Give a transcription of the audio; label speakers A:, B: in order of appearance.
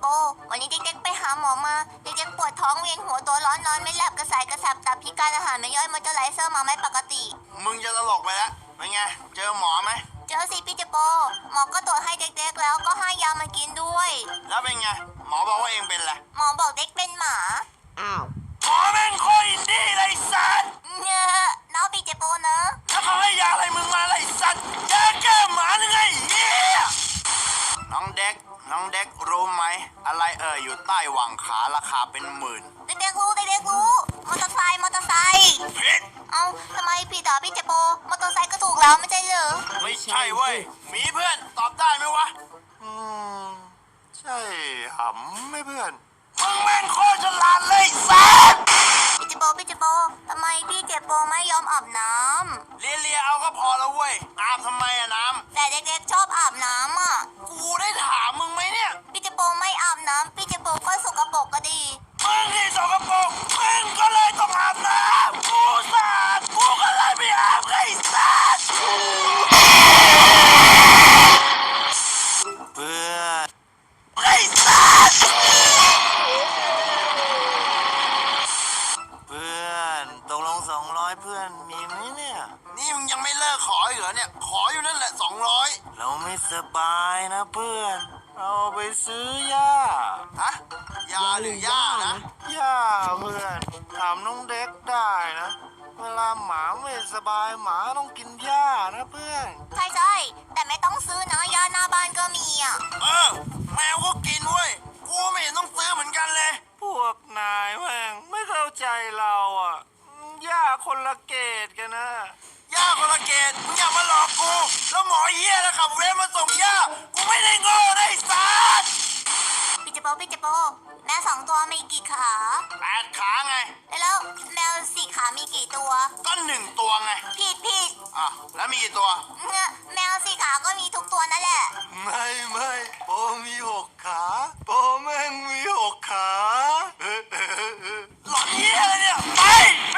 A: โปวันนี้เด็กๆไปหาหมอมาเด็กๆปวดท้องเวียนหัวตัวร้อนนอนไม่หลับกระสายกระสับตับพิการอาหารไม่ย่อยมอเตอร์ไลเซอร์มาไม่ปกติ
B: มึงจะตลกไปแล้วเป็นไงเจอหมอไหม
A: เจอสิพี่เจโปหมอก็ตรวจให้เด็กๆแล้วก็ให้ยามากินด้วย
B: แล้วเป็นไงหมอบอกว่าเองเป็นอะไร
A: หมอบอกเด็กเป็นหมา
C: อ้าว
B: หมอแม่งโคตรอินดี้เลยสัตว์
A: เนอะน้องพี่เจโปเนอะ
B: แล้วเขาให้ยาอะไรมึงมาเลยสัตว์ยาแก้หมาหรือไงเหี้ยน้องเด็กรู้ไหมอะไรอยู่ใต้หว่างขาราคาเป็นหมื่น
A: เด็กๆรู้มอเตอร์ไซค์
B: ผิด
A: เอ้าทำไมพี่ต่อพี่เจโปมอเตอร์ไซค์ก็ถูกแล้วไม่ใช่เหรอ
B: ไม่ใช่เว้ยมีเพื่อนตอบได้ไหมวะใช่หำไม่เพื่อนมึงแม่งโคตรฉลาดเลยสัตว์
A: พี่เจโปทำไมพี่เจโปไม่ยอมอาบน้ำ
B: เลียเอาก็พอแล้วเว้ยอาบทำไมอะน้
A: แต่เด็กๆชอบอาบน้ำอ่ะ
B: ำกูได้ถามมึงไหมเนี่ย
A: พี่เจโปไม่อาบน้ำพี่เจโปก็สกปรกก็ดี
B: มึงที่สกปรกมึงก็เลยต้องอาบน้ำกูสะอาดกูก็เลยไม่อาบไอ้สัตว์เพื่อนไอ้สัตว์เพื่อนตกลง200เพื่อนมีไหมเนี่ยนี่มึงยังไม่เลิกขออีกเหรอเนี่ยขออยู่นั่นแหละ200เราไม่สบายนะเพื่อนเราไปซื้อยาฮะยาหรือยานะยาเพื่อนถามน้องเด็กได้นะเวลาหมาไม่สบายหมาต้องกินหญ้านะเพื่อน
A: ใช่แต่ไม่ต้องซื้อนะยาหน้าบ้านก็มีอ่ะ
B: แมวก็กินเว้ยกูไม่เห็นต้องซื้อเหมือนกันเลย พวกนายแม่งไม่เข้าใจเราอ่ะหญ้าคนละเกตกันนะหญ้าคนละเกตมึงอย่ามาหลอกกูแล้วหมอเหี้ยนะขับเวฟมาส่งหญ้ากูไม่ได้โง่ได้สัตว์
A: พี่เจโปแมว2 ตัวมีกี่ขา
B: 8 ขาไง
A: แล้วแมว4 ขามีกี่ตัว
B: ก็1 ตัวไง
A: ผิด
B: อ่ะแล้วมีกี่ตัว
A: เนี่ยแมว4 ขาก็มีทุกตัวนั่นแหละ
B: ไม่โอมี6 ขา